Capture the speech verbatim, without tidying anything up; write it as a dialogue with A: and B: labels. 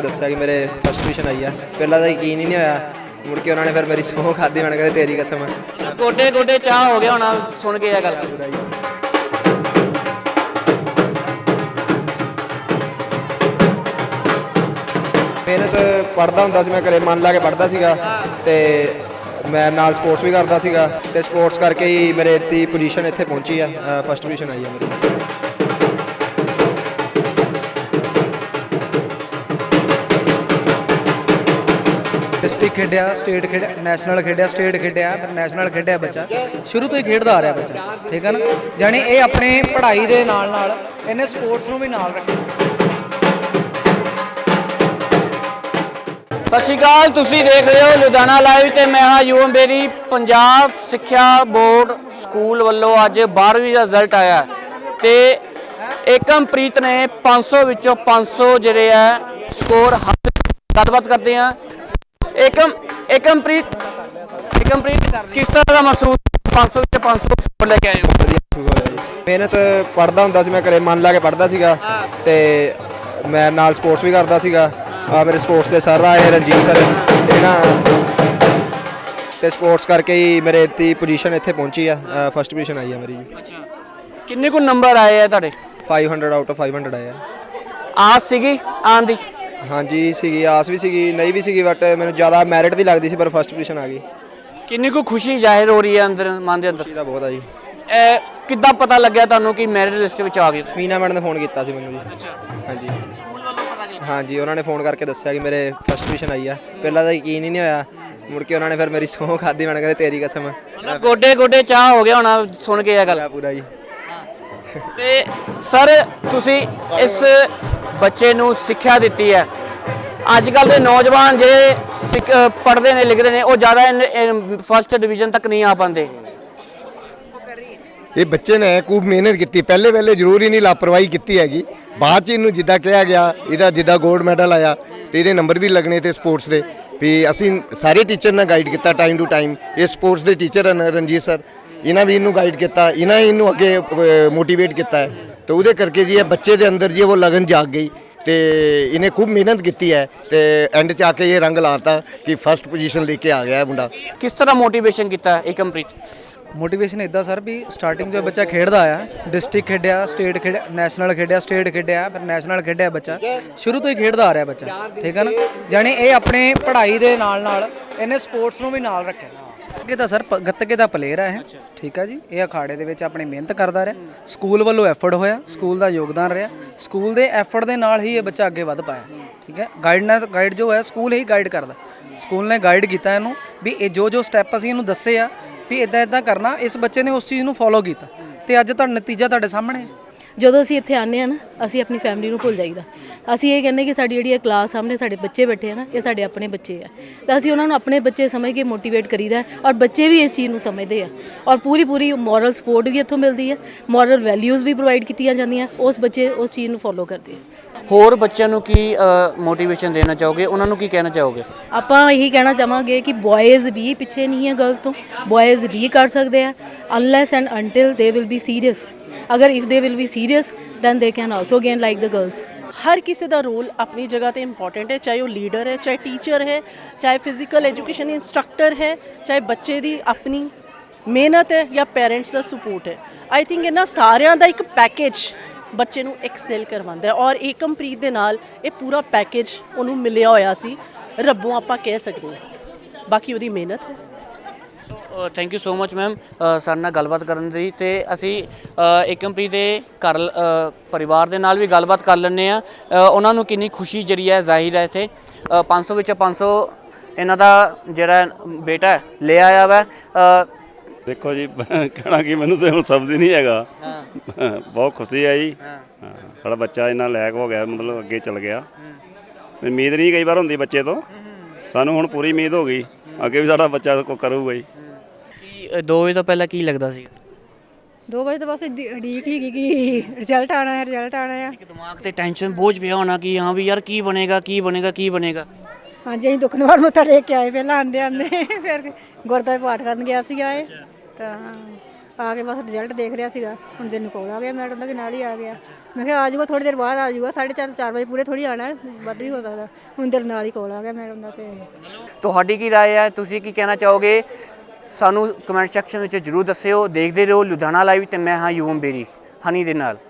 A: दस्सिया कि मेरे first position आई है। पहला तो यकीन ही नहीं होया, मुड़ के उन्होंने फिर मेरी सौं खाधी, मैंने कहा तेरी कसम है।
B: गोडे गोडे चाह हो गया होना सुन के गल।
A: ਮਿਹਨਤ ਪੜ੍ਹਦਾ ਹੁੰਦਾ ਸੀ, ਮੈਂ ਘਰੇ ਮਨ ਲਾ ਕੇ ਪੜ੍ਹਦਾ ਸੀਗਾ ਤੇ ਮੈਂ ਨਾਲ ਸਪੋਰਟਸ ਵੀ ਕਰਦਾ ਸੀਗਾ ਤੇ ਸਪੋਰਟਸ ਕਰਕੇ ਹੀ ਮੇਰੇ ਤੀ ਪੋਜੀਸ਼ਨ ਇੱਥੇ ਪਹੁੰਚੀ ਆ, ਫਸਟ ਪੋਜੀਸ਼ਨ ਆਈ ਆ ਮੇਰੀ।
C: डिस्ट्रिक्ट खेडिया, स्टेट खेडिया, नैशनल खेडिया, स्टेट खेडिया, फिर नैशनल खेडिया बच्चा शुरू तो ही खेडदा आ रहा बच्चा, ठीक है ना। जानी ये अपने पढ़ाई के नाल नाल इन्हें स्पोर्ट्स नूं भी नाल रखिया।
B: ਸਤਿ ਸ਼੍ਰੀ ਅਕਾਲ, ਤੁਸੀਂ ਦੇਖ ਰਹੇ ਹੋ ਲੁਧਿਆਣਾ ਲਾਈਵ ਤੇ ਮੈਂ ਹਾਂ ਯੂਐਮ ਬੇਰੀ। ਪੰਜਾਬ ਸਿੱਖਿਆ ਬੋਰਡ ਸਕੂਲ ਵੱਲੋਂ ਅੱਜ ਬਾਰ੍ਹਵੀਂ ਦਾ ਰਿਜ਼ਲਟ ਆਇਆ ਤੇ ਏਕਮਪ੍ਰੀਤ ਨੇ ਪੰਜ ਸੌ ਵਿੱਚੋਂ ਪੰਜ ਸੌ ਜਿਹੜੇ ਆ ਸਕੋਰ ਹਾਸਲ। ਗੱਲਬਾਤ ਕਰਦੇ ਹਾਂ। ਏਕਮ ਏਕਮਪ੍ਰੀਤ ਏਕਮਪ੍ਰੀਤ ਕਿਸ ਤਰ੍ਹਾਂ ਦਾ ਮਹਿਸੂਸ ਪੰਜ ਸੌ ਵਿੱਚੋਂ ਪੰਜ ਸੌ ਸਕੋਰ ਲੈ ਕੇ ਆਏ ਹੋ?
A: ਮਿਹਨਤ ਪੜ੍ਹਦਾ ਹੁੰਦਾ ਸੀ, ਮੈਂ ਘਰੇ ਮਨ ਲਾ ਕੇ ਪੜ੍ਹਦਾ ਸੀਗਾ ਤੇ ਮੈਂ ਨਾਲ ਸਪੋਰਟਸ ਵੀ ਕਰਦਾ ਸੀਗਾ। ਆ ਮੇਰੇ ਸਪੋਰਟਸ ਦੇ ਸਰ ਆਏ ਰਣਜੀਤ ਸਰ, ਇਹਨਾਂ ਤੇ ਸਪੋਰਟਸ ਕਰਕੇ ਹੀ ਮੇਰੇ ਤੀ ਪੋਜੀਸ਼ਨ ਇੱਥੇ ਪਹੁੰਚੀ ਆ, ਫਸਟ ਪੋਜੀਸ਼ਨ ਆਈ ਆ ਮੇਰੀ ਜੀ।
B: ਅੱਛਾ, ਕਿੰਨੇ ਕੁ ਨੰਬਰ ਆਏ ਆ ਤੁਹਾਡੇ?
A: ਪੰਜ ਸੌ ਆਊਟ ਆਫ ਪੰਜ ਸੌ ਆਏ ਆ।
B: ਆਸ ਸੀਗੀ ਆਉਣ ਦੀ?
A: ਹਾਂਜੀ ਸੀਗੀ, ਆਸ ਵੀ ਸੀਗੀ, ਨਹੀਂ ਵੀ ਸੀਗੀ, ਬਟ ਮੈਨੂੰ ਜ਼ਿਆਦਾ ਮੈਰਿਟ ਦੀ ਲੱਗਦੀ ਸੀ, ਪਰ ਫਸਟ ਪੋਜੀਸ਼ਨ ਆ ਗਈ।
B: ਕਿੰਨੀ ਕੁ ਖੁਸ਼ੀ ਜ਼ਾਹਿਰ ਹੋ ਰਹੀ ਹੈ ਅੰਦਰ ਮਨ ਦੇ ਅੰਦਰ?
A: ਖੁਸ਼ੀ ਤਾਂ ਬਹੁਤ ਆ ਜੀ।
B: ਇਹ ਕਿੱਦਾਂ ਪਤਾ ਲੱਗਿਆ ਤੁਹਾਨੂੰ ਕਿ ਮੈਰਿਟ ਲਿਸਟ ਵਿੱਚ ਆ ਗਏ?
A: ਮੀਨਾ ਮੈਡਮ ਨੇ ਫੋਨ ਕੀਤਾ ਸੀ ਮੈਨੂੰ ਜੀ।
B: ਅੱਛਾ,
A: ਹਾਂਜੀ
B: ਸਕੂਲ ਵੱਲੋਂ ਪਤਾ ਲੱਗਿਆ?
A: ਹਾਂਜੀ, ਉਹਨਾਂ ਨੇ ਫੋਨ ਕਰਕੇ ਦੱਸਿਆ ਕਿ ਮੇਰੇ ਫਸਟ ਪੋਜੀਸ਼ਨ ਆਈ ਆ। ਪਹਿਲਾਂ ਤਾਂ ਯਕੀਨ ਹੀ ਨਹੀਂ ਹੋਇਆ, ਮੁੜ ਕੇ ਉਹਨਾਂ ਨੇ ਫਿਰ ਮੇਰੀ ਸਹੁੰ ਖਾਧੀ, ਮੈंने ਕहा ਤੇਰੀ ਕਸਮ ਹੈ।
B: ਮਤਲਬ ਗੋਡੇ ਗੋਡੇ ਚਾਹ ਹੋ ਗਿਆ ਹੋਣਾ ਸੁਣ ਕੇ ਇਹ ਗੱਲ
A: ਪੂਰਾ ਜੀ।
B: ਤੇ ਸਰ ਤੁਸੀਂ ਇਸ ਬੱਚੇ ਨੂੰ ਸਿੱਖਿਆ ਦਿੱਤੀ ਹੈ। ਅੱਜ ਕੱਲ੍ਹ ਦੇ ਨੌਜਵਾਨ ਜਿਹੜੇ ਸਿੱਖ ਪੜ੍ਹਦੇ ਨੇ ਲਿਖਦੇ ਨੇ ਉਹ ਜ਼ਿਆਦਾ ਫਸਟ ਡਿਵੀਜ਼ਨ ਤੱਕ ਨਹੀਂ ਆ ਪਾਉਂਦੇ।
D: ਇਹ ਬੱਚੇ ਨੇ ਖੂਬ ਮਿਹਨਤ ਕੀਤੀ, ਪਹਿਲੇ ਪਹਿਲੇ ਜ਼ਰੂਰ ਹੀ ਨਹੀਂ ਲਾਪਰਵਾਹੀ ਕੀਤੀ ਹੈਗੀ। ਬਾਅਦ 'ਚ ਇਹਨੂੰ ਜਿੱਦਾਂ ਕਿਹਾ ਗਿਆ, ਇਹਦਾ ਜਿੱਦਾਂ ਗੋਲਡ ਮੈਡਲ ਆਇਆ ਤੇ ਇਹਦੇ ਨੰਬਰ ਵੀ ਲੱਗਣੇ ਤੇ ਸਪੋਰਟਸ ਦੇ ਵੀ ਅਸੀਂ ਸਾਰੇ ਟੀਚਰ ਨਾਲ ਗਾਈਡ ਕੀਤਾ ਟਾਈਮ ਟੂ ਟਾਈਮ। ਇਹ ਸਪੋਰਟਸ ਦੇ ਟੀਚਰ ਹਨ ਰਣਜੀਤ ਸਰ, ਇਹਨਾਂ ਵੀ ਇਹਨੂੰ ਗਾਈਡ ਕੀਤਾ, ਇਹਨਾਂ ਇਹਨੂੰ ਅੱਗੇ ਮੋਟੀਵੇਟ ਕੀਤਾ ਹੈ ਤੇ ਉਹਦੇ ਕਰਕੇ ਜੀ ਇਹ ਬੱਚੇ ਦੇ ਅੰਦਰ ਜੀ ਉਹ ਲਗਨ ਜਾਗ ਗਈ ਤੇ ਇਹਨੇ ਖੂਬ ਮਿਹਨਤ ਕੀਤੀ ਹੈ ਤੇ ਐਂਡ 'ਚ ਆ ਕੇ ਇਹ ਰੰਗ ਲਾਤਾ ਕਿ ਫਸਟ ਪੋਜੀਸ਼ਨ ਲੈ ਕੇ ਆ ਗਿਆ ਮੁੰਡਾ।
B: ਕਿਸ ਤਰ੍ਹਾਂ ਮੋਟੀਵੇਸ਼ਨ ਕੀਤਾ ਏਕਮਪ੍ਰੀਤ?
C: मोटिवेशन इदा सर भी स्टार्टिंग जो बच्चा खेडदा आया, डिस्ट्रिक्ट खेडिया, स्टेट खेडिया, नैशनल खेडिया, स्टेट खेडिया, फिर नैशनल खेडिया बच्चा शुरू तो ही खेडदा आ रहा बच्चा, ठीक है ना। जानी ये अपने पढ़ाई के नाल नाल इन्हें स्पोर्ट्स नूं भी नाल रखिया। ਗੱਤਕੇ ਦਾ ਸਰ ਗੱਤਕੇ ਦਾ ਪਲੇਅਰ ਹੈ, ਠੀਕ ਹੈ ਜੀ। ਇਹ ਅਖਾੜੇ ਦੇ ਵਿੱਚ ਆਪਣੀ ਮਿਹਨਤ ਕਰਦਾ ਰਿਹਾ, ਸਕੂਲ ਵੱਲੋਂ ਐਫਰਟ ਹੋਇਆ, ਸਕੂਲ ਦਾ ਯੋਗਦਾਨ ਰਿਹਾ, ਸਕੂਲ ਦੇ ਐਫਰਟ ਦੇ ਨਾਲ ਹੀ ਇਹ ਬੱਚਾ ਅੱਗੇ ਵਧ ਪਾਇਆ, ਠੀਕ ਹੈ। ਗਾਈਡਨੈਸ ਗਾਈਡ ਜੋ ਹੈ ਸਕੂਲ ਹੀ ਗਾਈਡ ਕਰਦਾ, ਸਕੂਲ ਨੇ ਗਾਈਡ ਕੀਤਾ ਇਹਨੂੰ ਵੀ ਇਹ ਜੋ ਜੋ ਸਟੈਪ ਅਸੀਂ ਇਹਨੂੰ ਦੱਸੇ ਆ ਵੀ ਇਦਾਂ ਇਦਾਂ ਕਰਨਾ। ਇਸ ਬੱਚੇ ਨੇ ਉਸ ਚੀਜ਼ ਨੂੰ ਫੋਲੋ ਕੀਤਾ ਤੇ ਅੱਜ ਤੁਹਾਡਾ ਨਤੀਜਾ ਤੁਹਾਡੇ ਸਾਹਮਣੇ ਹੈ।
E: ਜਦੋਂ ਅਸੀਂ ਇੱਥੇ ਆਉਂਦੇ ਹਾਂ ਨਾ, ਅਸੀਂ ਆਪਣੀ ਫੈਮਿਲੀ ਨੂੰ ਭੁੱਲ ਜਾਈਦਾ। ਅਸੀਂ ਇਹ ਕਹਿੰਦੇ ਕਿ ਸਾਡੀ ਜਿਹੜੀ ਇਹ ਕਲਾਸ ਸਾਹਮਣੇ ਸਾਡੇ ਬੱਚੇ ਬੈਠੇ ਆ ਨਾ, ਇਹ ਸਾਡੇ ਆਪਣੇ ਬੱਚੇ ਆ ਤਾਂ ਅਸੀਂ ਉਹਨਾਂ ਨੂੰ ਆਪਣੇ ਬੱਚੇ ਸਮਝ ਕੇ ਮੋਟੀਵੇਟ ਕਰੀਦਾ ਔਰ ਬੱਚੇ ਵੀ ਇਸ ਚੀਜ਼ ਨੂੰ ਸਮਝਦੇ ਆ ਔਰ ਪੂਰੀ ਪੂਰੀ ਮੋਰਲ ਸਪੋਰਟ ਵੀ ਇੱਥੋਂ ਮਿਲਦੀ ਹੈ, ਮੋਰਲ ਵੈਲਿਊਜ਼ ਵੀ ਪ੍ਰੋਵਾਈਡ ਕੀਤੀਆਂ ਜਾਂਦੀਆਂ, ਉਸ ਬੱਚੇ ਉਸ ਚੀਜ਼ ਨੂੰ ਫੋਲੋ ਕਰਦੇ ਆ।
B: ਹੋਰ ਬੱਚਿਆਂ ਨੂੰ ਕੀ ਮੋਟੀਵੇਸ਼ਨ ਦੇਣਾ ਚਾਹੋਗੇ, ਉਹਨਾਂ ਨੂੰ ਕੀ ਕਹਿਣਾ ਚਾਹੋਗੇ?
E: ਆਪਾਂ ਇਹੀ ਕਹਿਣਾ ਚਾਹਾਂਗੇ ਕਿ ਬॉयਜ਼ ਵੀ ਪਿੱਛੇ ਨਹੀਂ ਹੈ ਗਰਲਸ ਤੋਂ, ਬॉयਜ਼ ਵੀ ਕਰ ਸਕਦੇ ਆ unless and until they will be serious. ਅਗਰ if they will be serious then they can also gain like the girls.
F: हर किसी का रोल अपनी जगह पे इंपॉर्टेंट है, चाहे वो लीडर है, चाहे टीचर है, चाहे फिजिकल एजुकेशन इंस्ट्रक्टर है, चाहे बच्चे की अपनी मेहनत है या पेरेंट्स का सपोर्ट है। आई थिंक इन्होंने सारिਆਂ ਦਾ ਇੱਕ ਪੈਕੇਜ ਬੱਚੇ ਨੂੰ ਐਕਸੈਲ ਕਰਵਾਉਂਦਾ ਔਰ ਏਕਮਪ੍ਰੀਤ ਦੇ ਨਾਲ ਇਹ ਪੂਰਾ ਪੈਕੇਜ ਉਹਨੂੰ ਮਿਲਿਆ ਹੋਇਆ ਸੀ, ਰੱਬੋਂ ਆਪਾਂ ਕਹਿ ਸਕਦੇ ਹਾਂ, ਬਾਕੀ ਉਹਦੀ ਮਿਹਨਤ ਹੈ।
B: So thank you so much ma'am ਸਾਡੇ ਨਾਲ ਗੱਲਬਾਤ ਕਰਨ ਲਈ। ਤੇ ਅਸੀਂ ਏਕਮਪ੍ਰੀਤ ਦੇ ਘਰ ਪਰਿਵਾਰ ਦੇ ਨਾਲ ਵੀ ਗੱਲਬਾਤ ਕਰ ਲੈਂਦੇ ਹਾਂ, ਉਹਨਾਂ ਨੂੰ ਕਿੰਨੀ ਖੁਸ਼ੀ ਜਿਹੜੀ ਹੈ ਜ਼ਾਹਿਰ ਹੈ। ਇੱਥੇ ਪੰਜ ਸੌ ਵਿੱਚੋਂ ਪੰਜ ਸੌ ਇਹਨਾਂ ਦਾ ਜਿਹੜਾ ਬੇਟਾ ਲੈ ਆਇਆ ਵਾ।
G: ਦੇਖੋ ਜੀ ਕਹਿਣਾ ਕਿ ਮੈਨੂੰ ਤਾਂ ਹੁਣ ਸ਼ਬਦ ਹੀ ਨਹੀਂ ਹੈਗਾ, ਬਹੁਤ ਖੁਸ਼ੀ ਹੈ ਜੀ। ਸਾਡਾ ਬੱਚਾ ਇੰਨਾ ਲਾਇਕ ਹੋ ਗਿਆ, ਮਤਲਬ ਅੱਗੇ ਚੱਲ ਗਿਆ। ਉਮੀਦ ਨਹੀਂ ਕਈ ਵਾਰ ਹੁੰਦੀ ਬੱਚੇ ਤੋਂ, ਸਾਨੂੰ ਹੁਣ ਪੂਰੀ ਉਮੀਦ ਹੋ ਗਈ ਅੱਗੇ ਵੀ ਸਾਡਾ ਬੱਚਾ ਕੋ ਕਰੂਗਾ ਜੀ।
B: ਕੀ ਦੋ ਵਜੇ ਤੋਂ ਪਹਿਲਾਂ ਕੀ ਲੱਗਦਾ ਸੀ?
H: ਦੋ ਵਜੇ ਤੋਂ ਬਸ ਉਡੀਕ ਸੀਗੀ ਕਿ ਰਿਜ਼ਲਟ ਆਉਣਾ ਹੈ, ਰਿਜ਼ਲਟ ਆਉਣਾ ਹੈ।
B: ਇੱਕ ਦਿਮਾਗ ਤੇ ਟੈਨਸ਼ਨ ਬੋਝ ਪਿਆ ਹੋਣਾ ਕਿ ਹਾਂ ਵੀ ਯਾਰ ਕੀ ਬਣੇਗਾ ਕੀ ਬਣੇਗਾ ਕੀ ਬਣੇਗਾ।
H: ਹਾਂਜੀ, ਅਸੀਂ ਦੁਖਨਿਵਾਰਨ ਮੱਥਾ ਟੇਕ ਕੇ ਆਏ ਪਹਿਲਾਂ ਆਉਂਦੇ ਆਉਂਦੇ, ਫਿਰ ਗੁਰਦੁਆਰੇ ਪਾਠ ਕਰਨ ਗਿਆ ਸੀਗਾ ਇਹ ਤਾਂ ਆ ਕੇ ਬਸ ਰਿਜ਼ਲਟ ਦੇਖ ਰਿਹਾ ਸੀਗਾ। ਹੁਣ ਦਿਨ ਕੋਲ ਆ ਗਿਆ, ਮੈਡਮ ਦਾ ਵੀ ਨਾਲ ਹੀ ਆ ਗਿਆ। ਮੈਂ ਕਿਹਾ ਆ ਜਾਊਗਾ ਥੋੜੀ ਦੇਰ ਬਾਅਦ ਆ ਜਾਊਗਾ, ਸਾਢੇ ਚਾਰ ਚਾਰ ਵਜੇ ਪੂਰੇ ਥੋੜੀ ਆਣਾ, ਵੱਧ ਵੀ ਹੋ ਸਕਦਾ। ਹੁਣ ਦਿਨ ਨਾਲ ਹੀ ਕੋਲ ਆ ਗਿਆ ਮੈਡਮ ਦਾ। ਤੇ
B: ਤੁਹਾਡੀ ਕੀ ਰਾਏ ਹੈ, ਤੁਸੀਂ ਕੀ ਕਹਿਣਾ ਚਾਹੋਗੇ? ਸਾਨੂੰ ਕਮੈਂਟ ਸੈਕਸ਼ਨ ਵਿੱਚ ਜ਼ਰੂਰ ਦੱਸਿਓ। ਦੇਖਦੇ ਰਹੋ ਲੁਧਿਆਣਾ ਲਾਈਵ ਤੇ ਮੈਂ ਹਾਂ ਯੂਮ ਬੇਰੀ ਹਨੀ ਦੇ ਨਾਲ।